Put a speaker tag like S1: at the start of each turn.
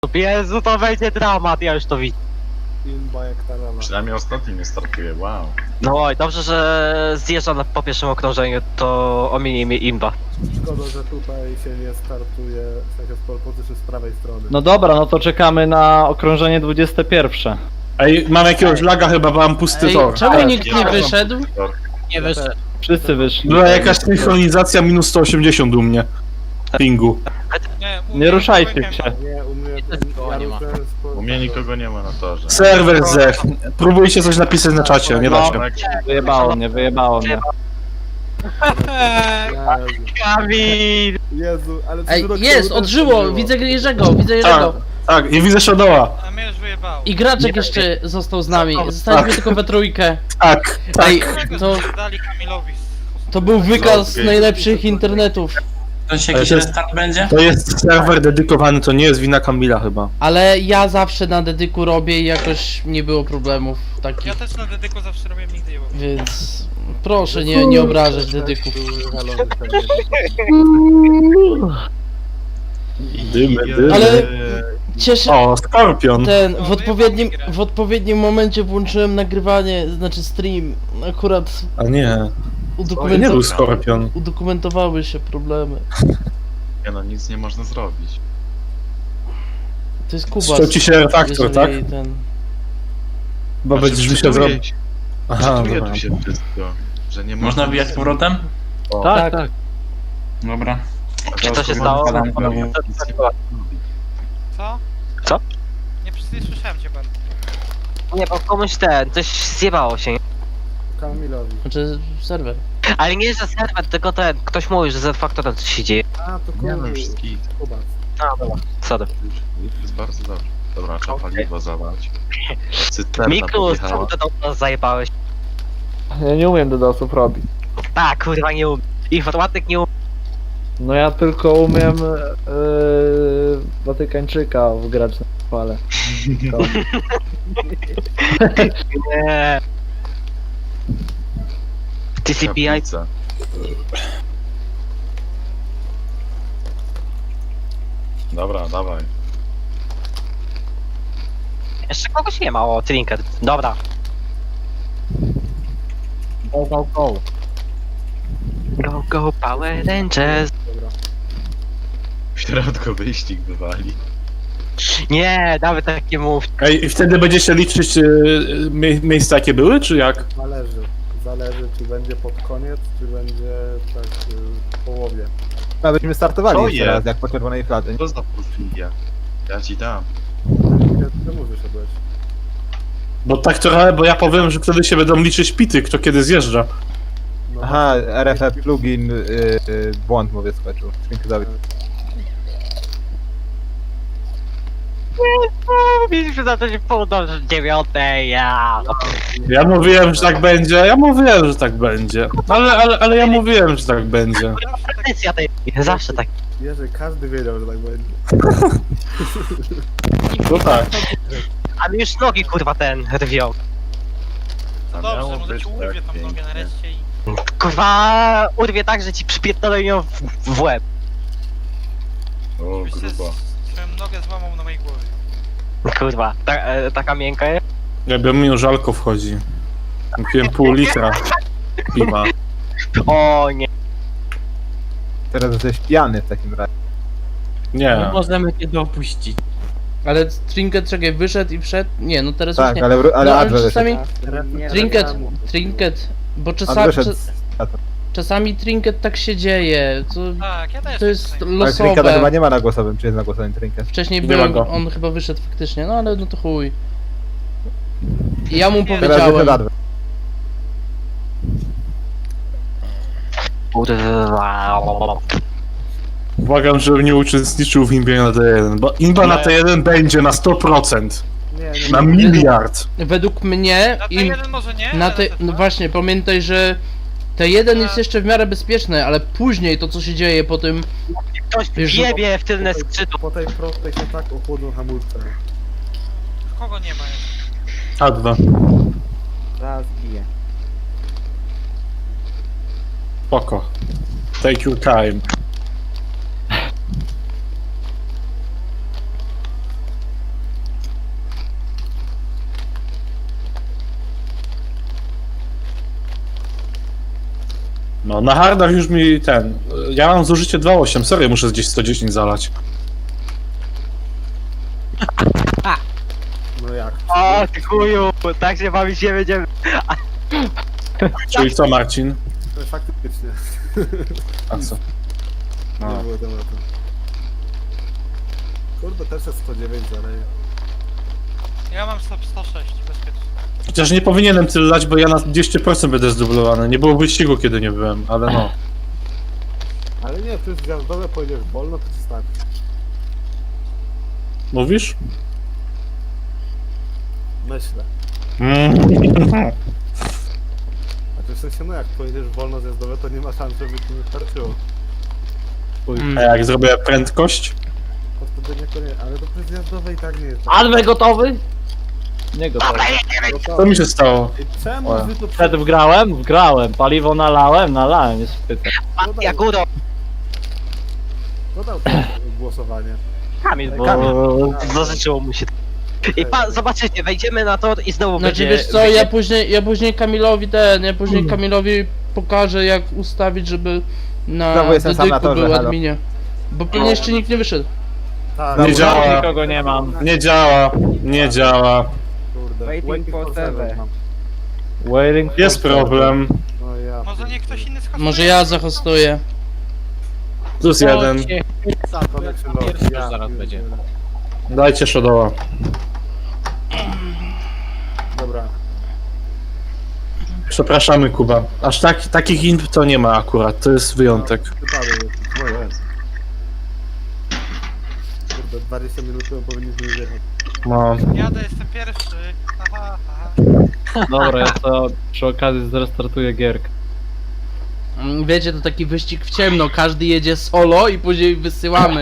S1: Jezu, to będzie dramat, ja już to widzę.
S2: Imba jak ta rama.
S3: Przynajmniej ostatni nie startuje, wow.
S1: No oj, dobrze, że zjeżdża po pierwszym okrążeniu, to ominie mnie imba.
S2: Szkoda, że tutaj się nie startuje, w sensie z pole position z prawej strony.
S4: No dobra, no to czekamy na okrążenie 21.
S5: Ej, mam jakiegoś laga chyba, bo mam pusty
S6: Ej,
S5: tor.
S6: czemu nikt nie wyszedł?
S1: Nie wyszedł.
S4: Wszyscy wyszli.
S5: Była jakaś synchronizacja minus 180 u mnie. Pingu.
S4: Nie ruszajcie się.
S2: Nie, u mnie...
S6: nie ma.
S3: U mnie nikogo nie ma na torze.
S5: Serwer zech. Próbujcie coś napisać na czacie, nie da się.
S4: Wyjebało mnie, wyjebało mnie.
S1: Kamil!
S2: Jezu, ale...
S6: Ej,
S2: co
S6: jest,
S2: roku
S6: odżyło,
S2: było.
S6: widzę Jerzego, widzę Jerzego.
S5: Tak, i widzę Shadowa.
S7: A mnie już wyjebało.
S6: I Graczek jeszcze został z nami, zostaliśmy tylko we trójkę.
S5: Tak,
S6: Ej,
S5: tak.
S6: to,
S7: Dali Kamilowi.
S6: to był wykaz najlepszych internetów.
S8: To się
S5: Ale
S8: jakiś
S5: to jest-
S8: restart będzie?
S5: To jest serwer dedykowany, to nie jest wina Kamila chyba.
S6: Ale ja zawsze na dedyku robię i jakoś nie było problemów takich,
S7: Ja też na dedyku zawsze robię, nigdy nie było.
S6: więc proszę nie obrażać dedyków.
S2: Były halony pewnie.
S5: Dymy.
S6: Ale cieszę
S5: O, Skorpion.
S6: w odpowiednim momencie włączyłem nagrywanie, znaczy stream. Akurat
S5: A nie, to nie był Skorpion.
S6: udokumentowały się problemy.
S3: Nie no, nic nie można zrobić.
S6: To jest Kuba.
S5: Ściął ci się refaktor, tak?
S6: Ten...
S5: Bo będziesz musiał zrobić. Aha,
S3: Aha,
S5: dobra.
S3: tu się wszystko, że nie
S8: Można wbijać z powrotem?
S3: O,
S4: Tak, tak.
S8: Dobra.
S1: Czy to się stało?
S7: Co?
S1: Co?
S7: Nie słyszałem cię bardzo.
S1: Nie, bo komuś coś zjebało się.
S2: Kamilowi.
S6: Znaczy serwer.
S1: Ale nie, że serwer, tylko ktoś mówi, że z faktorem coś się dzieje.
S2: A, to
S3: Nie no,
S2: kurwa.
S3: wszystkich.
S2: Kubac.
S1: A, dobra. Sorry.
S3: Już jest bardzo dobrze. Dobra, trzeba paliwo zabrać. Cysterna
S1: Miku, co
S3: podjechała.
S1: ty do nas zajebałeś?
S4: Ja nie umiem DDoS-ów robić.
S1: Tak, kurwa nie umiem. Informatyk nie umie.
S4: No ja tylko umiem Watykańczyka wgrać na fale.
S1: Nie. TCPI?
S3: Kaplica. Dobra, dawaj.
S1: Jeszcze kogoś nie ma, o, Trinket. Dobra.
S4: Go, go, go.
S1: Go, go, Power Rangers.
S2: Dobra.
S3: W środku wyścig bywali.
S1: Nie, nawet tak nie mów.
S5: Ej, i wtedy będziecie liczyć miejsca jakie były, czy jak?
S2: Zależy. Zależy, czy będzie pod koniec, czy będzie tak w połowie.
S9: A byśmy startowali
S3: Co
S9: jeszcze
S3: jest?
S9: raz, jak po czerwonej fladze.
S3: Co za porfiria? Ja ci dam.
S2: Czemu wyszedłeś?
S5: Bo tak trochę, bo ja powiem, że wtedy się będą liczyć pity, kto kiedy zjeżdża.
S2: No,
S9: Aha, RFF plugin, błąd mówię skoczył. Dziękuję.
S1: Mieliśmy zacząć w pół do 9, ja.
S5: Ja mówiłem, że tak będzie, ja mówiłem, że tak będzie. Ale ja mówiłem, że tak będzie.
S1: Tradycja tej. Zawsze tak.
S2: Jerzy, każdy wiedział, że tak będzie.
S5: No tak.
S1: A mi już nogi kurwa rwią.
S7: To
S3: A
S7: dobrze,
S3: miało
S7: może
S3: być
S7: ci
S3: tak
S7: urwie tam nogę
S3: pięknie.
S7: nareszcie i...
S1: Kurwa urwie tak, że ci przypierdolę ją w łeb.
S3: O,
S7: Byś się
S3: grubo.
S7: swoją nogę złamał na mojej głowie.
S1: Kurwa, taka miękka jest.
S5: Jakby mi już żalko wchodzi. Kupiłem pół litra piwa.
S1: O nie.
S9: Teraz jesteś pijany w takim razie.
S5: Nie.
S6: Możemy nie dopuścić. Ale Trinket, czekaj, wyszedł i wszedł? Nie, no teraz
S9: Tak,
S6: już nie.
S9: ale
S6: No, ale
S9: Adwe
S6: czasami...
S2: Trinket.
S6: Trinket, bo
S9: wyszedł.
S6: czasami Trinket tak się dzieje,
S7: Tak, ja też.
S6: to jest
S7: tutaj.
S9: Ale Trinketa chyba
S6: losowe.
S9: nie ma na głosowym, czy jest na głosowym Trinket?
S6: Wcześniej
S5: Nie
S6: byłem,
S5: ma go.
S6: on chyba wyszedł faktycznie, no ale no to chuj. I ja mu
S7: Teraz
S9: Teraz wyszedł
S6: powiedziałem,
S9: Adwe.
S1: Kurwa.
S5: Błagam, żebym nie uczestniczył w imbie na T1, bo imba na T1 będzie na 100%.
S2: Nie,
S5: Na miliard.
S6: według mnie,
S7: Na
S6: im,
S7: T1 może nie,
S6: na
S7: ale
S6: te,
S7: T2?
S6: no właśnie, pamiętaj, że T1 jest jeszcze w miarę bezpieczny, ale później to co się dzieje po tym,
S1: Ktoś
S6: Wiesz,
S1: jebie w tylne skrzydło.
S2: Po tej prostej się tak ochłodzą hamulce.
S7: Kogo nie ma jeszcze?
S5: A2.
S9: Raz bije.
S5: Spoko. Take your time. No, na hardach już mi ja mam zużycie 2.8, sorry, muszę gdzieś 110 zalać.
S2: No jak?
S1: O, ty chuju, tak się bawić nie będziemy.
S5: Czyli co, Marcin?
S2: Faktycznie.
S5: A co?
S2: Nie było tematu. Kurde, też jest 109 zaleje.
S7: Ja mam 106, bezpiecznie.
S5: Chociaż nie powinienem tyle lać, bo ja na 200% będę zdublowany. Nie było wyścigu, kiedy nie byłem, ale no.
S2: Ale nie, ty zjazdowe pojedziesz wolno, to ci starczy.
S5: Mówisz?
S2: Myślę. A w sensie, no jak pojedziesz wolno zjazdowe, to nie ma szans, żeby ci nie starczyło.
S5: A jak zrobię prędkość?
S2: To wtedy niekoniecznie, ale to przy zjazdowej i tak nie jest.
S4: Adwe gotowy? Nie gotowy.
S5: Co mi się stało?
S2: I czemu
S5: O.
S2: wy to
S4: Przed wgrałem, paliwo nalałem, jest pyta.
S1: Jak udo.
S2: dodał to głosowanie?
S1: Kamil, bo zażyczyło mu się. I zobaczycie, wejdziemy na tor i znowu
S6: Znaczy
S1: będzie...
S6: wiesz co, ja później Kamilowi pokażę jak ustawić, żeby na
S9: Znowu jestem sam na
S6: dedyku
S9: torze,
S6: był
S9: halo.
S6: adminie. Bo pewnie jeszcze nikt nie wyszedł.
S2: Tak,
S5: Nie działa.
S4: Nikogo nie mam.
S5: Nie działa, nie działa.
S2: Kurde.
S9: Waiting for seven.
S2: mam.
S4: Waiting for
S5: Jest problem.
S2: No ja.
S7: Może nie ktoś inny skasuje?
S6: Może ja zahostuję.
S5: Plus jeden.
S2: Connection loss. Ja
S4: zaraz będzie.
S5: Dajcie Shadowa.
S2: Dobra.
S5: Przepraszamy, Kuba. Aż takich imp to nie ma akurat, to jest wyjątek.
S2: Wypadek jest. O jest. Kurde, 20 minut temu powinniśmy już jechać.
S5: No.
S7: Jadę, jestem pierwszy. Aha, aha.
S4: Dobra, ja to przy okazji zrestartuję gierkę.
S6: Wiecie, to taki wyścig w ciemno, każdy jedzie solo i później wysyłamy.